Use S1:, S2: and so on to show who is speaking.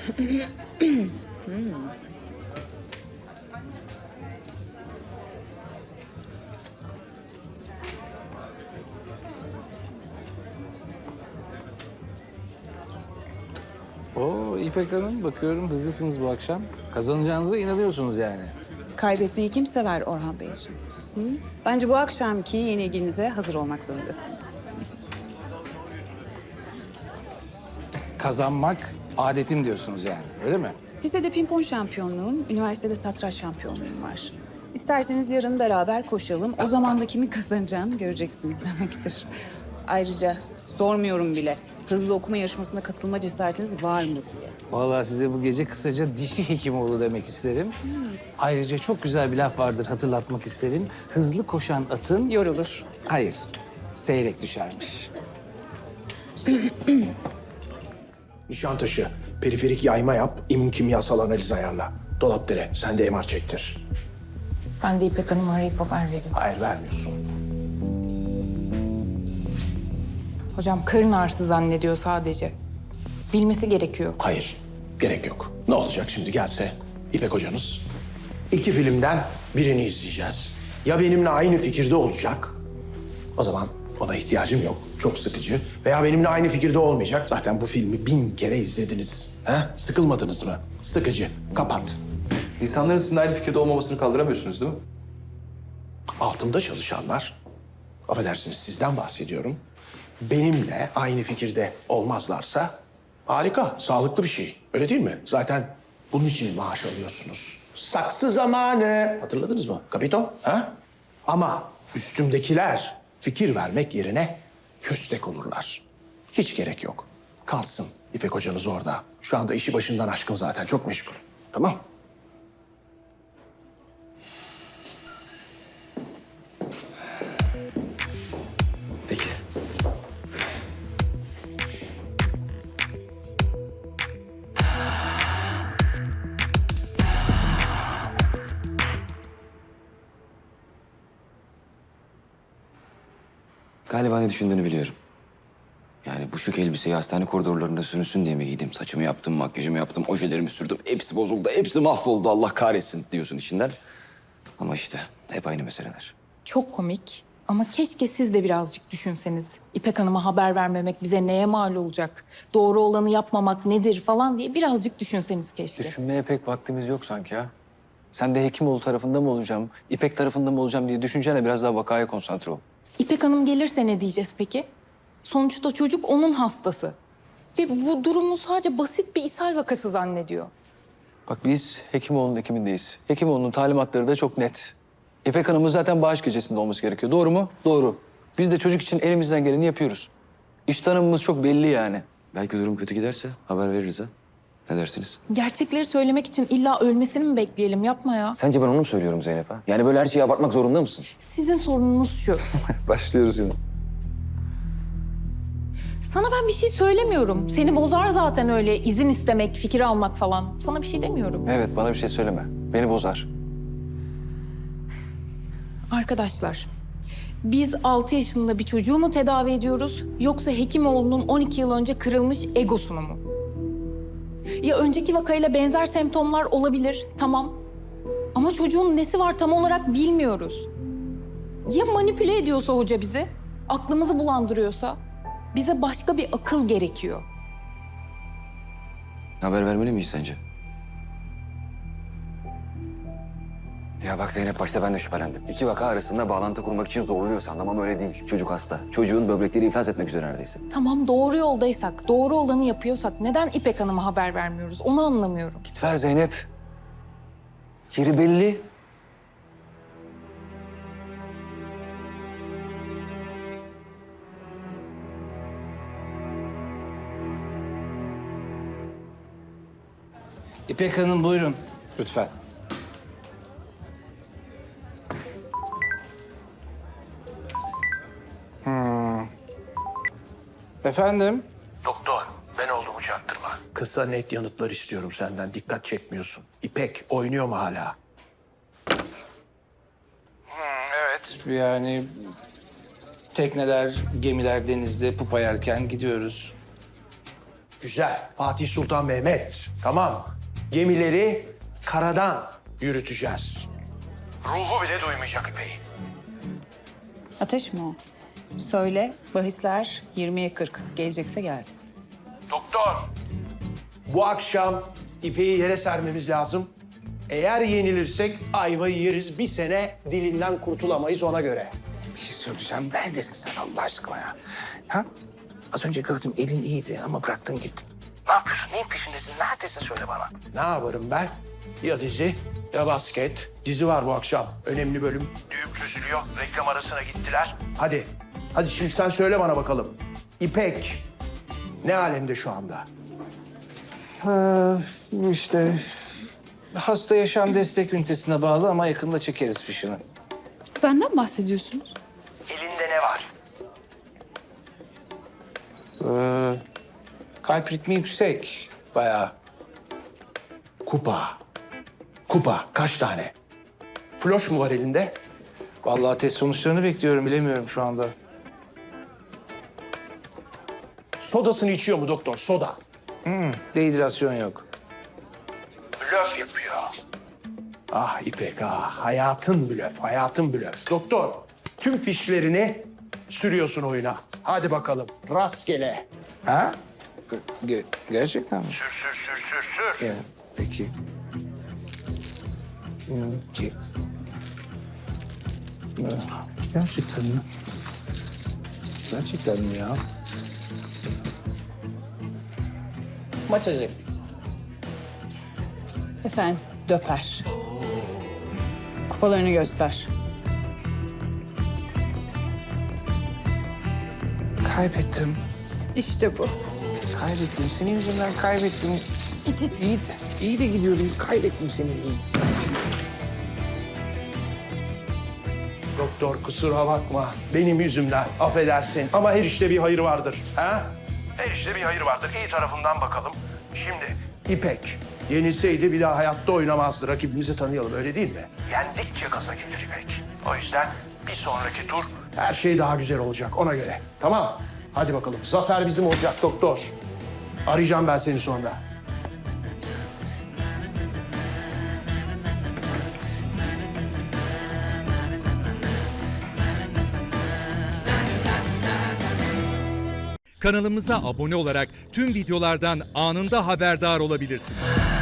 S1: Oo İpek Hanım, bakıyorum hızlısınız bu akşam. Kazanacağınıza inanıyorsunuz yani.
S2: Kaybetmeyi kim sever Orhan Beyciğim? Hı? Bence bu akşamki yenilginize hazır olmak zorundasınız.
S1: Kazanmak adetim diyorsunuz yani, öyle mi?
S2: Lisede pimpon şampiyonluğum, üniversitede satranç şampiyonluğum var. İsterseniz yarın beraber koşalım. O zaman da kimin kazanacağını göreceksiniz demektir. Ayrıca sormuyorum bile. Hızlı okuma yarışmasına katılma cesaretiniz var mı diye.
S1: Vallahi size bu gece kısaca dişi Hekimoğlu demek isterim. Ayrıca çok güzel bir laf vardır, hatırlatmak isterim. Hızlı koşan atın...
S2: Yorulur.
S1: Hayır, seyrek düşermiş.
S3: Nişantaşı, periferik yayma yap, immün kimyasal analiz ayarla. Dolapdere, sen de MR çektir.
S4: Ben de İpek Hanım'ı arayıp haber vereyim.
S3: Hayır, vermiyorsun.
S4: Hocam karın ağrısı zannediyor sadece. Bilmesi gerekiyor.
S3: Hayır, gerek yok. Ne olacak şimdi gelse İpek hocanız? 2 filmden birini izleyeceğiz. Ya benimle aynı fikirde olacak, o zaman ona ihtiyacım yok. Çok sıkıcı. Veya benimle aynı fikirde olmayacak. Zaten bu filmi 1000 kere izlediniz. He? Sıkılmadınız mı? Sıkıcı. Kapat.
S5: İnsanların sizinle aynı fikirde olmamasını kaldıramıyorsunuz değil mi?
S3: Altımda çalışanlar, affedersiniz sizden bahsediyorum. Benimle aynı fikirde olmazlarsa harika, sağlıklı bir şey. Öyle değil mi? Zaten bunun için maaş alıyorsunuz. Saksı zamanı. Hatırladınız mı? Kapito? Ha? Ama üstümdekiler fikir vermek yerine köstek olurlar. Hiç gerek yok. Kalsın İpek hocanız orada. Şu anda işi başından aşkın zaten. Çok meşgul. Tamam.
S5: Peki.
S6: Galiba ne düşündüğünü biliyorum. Yani bu şık elbiseyi hastane koridorlarında sürünsün diye mi giydim? Saçımı yaptım, makyajımı yaptım, ojelerimi sürdüm. Hepsi bozuldu, hepsi mahvoldu. Allah kahretsin diyorsun içinden. Ama işte hep aynı meseleler.
S4: Çok komik ama keşke siz de birazcık düşünseniz. İpek Hanım'a haber vermemek bize neye mal olacak? Doğru olanı yapmamak nedir falan diye birazcık düşünseniz keşke.
S5: Düşünmeye pek vaktimiz yok sanki ya. Sen de Hekimoğlu tarafında mı olacağım, İpek tarafında mı olacağım diye düşüncene biraz daha vakaya konsantre ol.
S4: İpek Hanım gelirse ne diyeceğiz peki? Sonuçta çocuk onun hastası. Ve bu durumu sadece basit bir ishal vakası zannediyor.
S5: Bak biz Hekimoğlu'nun ekimindeyiz. Hekimoğlu'nun talimatları da çok net. İpek Hanım'ın zaten bağış gecesinde olması gerekiyor. Doğru mu? Doğru. Biz de çocuk için elimizden geleni yapıyoruz. İş tanımımız çok belli yani.
S6: Belki durum kötü giderse haber veririz ha. Ne dersiniz?
S4: Gerçekleri söylemek için illa ölmesini mi bekleyelim? Yapma ya.
S6: Sence ben onu mu söylüyorum Zeynep ha? Yani böyle her şeyi abartmak zorunda mısın?
S4: Sizin sorununuz şu.
S5: Başlıyoruz yine.
S4: Sana ben bir şey söylemiyorum. Seni bozar zaten öyle izin istemek, fikir almak falan. Sana bir şey demiyorum.
S5: Evet, bana bir şey söyleme. Beni bozar.
S4: Arkadaşlar, biz 6 yaşında bir çocuğu mu tedavi ediyoruz yoksa Hekimoğlu'nun 12 yıl önce kırılmış egosunu mu? Ya önceki vakayla benzer semptomlar olabilir, tamam. Ama çocuğun nesi var tam olarak bilmiyoruz. Ya manipüle ediyorsa hoca bizi, aklımızı bulandırıyorsa? Bize başka bir akıl gerekiyor.
S6: Haber vermeli miyiz sence? Ya bak Zeynep, başta ben de şüphelendim. İki vaka arasında bağlantı kurmak için zorluyor sandım ama öyle değil. Çocuk hasta. Çocuğun böbrekleri iflas etmek üzere neredeyse.
S4: Tamam doğru yoldaysak, doğru olanı yapıyorsak neden İpek Hanım'a haber vermiyoruz? Onu anlamıyorum.
S5: Git ver Zeynep. Yeri belli.
S1: İpek Hanım buyurun, lütfen. Efendim?
S3: Doktor, ben olduğumu çaktırma. Kısa net yanıtlar istiyorum senden. Dikkat çekmiyorsun. İpek oynuyor mu hala?
S1: Evet. Yani tekneler, gemiler denizde pupa yerken gidiyoruz.
S3: Güzel. Fatih Sultan Mehmet. Tamam. Gemileri karadan yürüteceğiz. Ruhu bile duymayacak İpek'i.
S2: Ateş mi o? Söyle, bahisler 20'ye 40. Gelecekse gelsin.
S3: Doktor. Bu akşam İpek'i yere sermemiz lazım. Eğer yenilirsek ayvayı yeriz. Bir sene dilinden kurtulamayız ona göre.
S1: Bir şey söyleyeceğim. Neredesin sen Allah aşkına ya? Ha? Az önce gördüm elin iyiydi ama bıraktın gittin. Ne yapıyorsun? Neyin peşindesin? Neredesin söyle bana.
S3: Ne yaparım ben? Ya dizi ya basket. Dizi var bu akşam. Önemli bölüm. Düğüm çözülüyor. Reklam arasına gittiler. Hadi. Hadi şimdi sen söyle bana bakalım. İpek ne alemde şu anda?
S1: İşte hasta yaşam destek ünitesine bağlı ama yakında çekeriz fişini.
S2: Siz benden bahsediyorsunuz.
S3: Elinde ne var?
S1: Kalp ritmi yüksek bayağı.
S3: Kupa. Kupa kaç tane? Floş mu var elinde?
S1: Vallahi test sonuçlarını bekliyorum bilemiyorum şu anda.
S3: Sodasını içiyor mu doktor? Soda.
S1: Dehidrasyon yok.
S3: Blöf yapıyor. Ah İpek ah. Hayatın blöf, hayatın blöf. Doktor, tüm fişlerini sürüyorsun oyuna. Hadi bakalım, rastgele.
S1: Ha? Gerçekten mi?
S3: Sür.
S1: Evet, peki. Ki. Gerçekten mi? Gerçekten mi ya? Maç acı.
S2: Efendim, döper. Kupalarını göster.
S1: Kaybettim.
S2: İşte bu.
S1: Kaybettim. Senin yüzünden kaybettim. İyi de gidiyordum. Kaybettim seni. İyi.
S3: Doktor kusura bakma. Benim yüzümden affedersin. Ama her işte bir hayır vardır. Ha? Her işte bir hayır vardır. İyi tarafından bakalım. Şimdi İpek yenilseydi bir daha hayatta oynamazdı. Rakibimizi tanıyalım öyle değil mi? Yendikçe gaza gelir İpek. O yüzden bir sonraki tur her şey daha güzel olacak ona göre. Tamam. Hadi bakalım. Zafer bizim olacak doktor. Arayacağım ben seni sonra.
S7: Kanalımıza abone olarak tüm videolardan anında haberdar olabilirsiniz.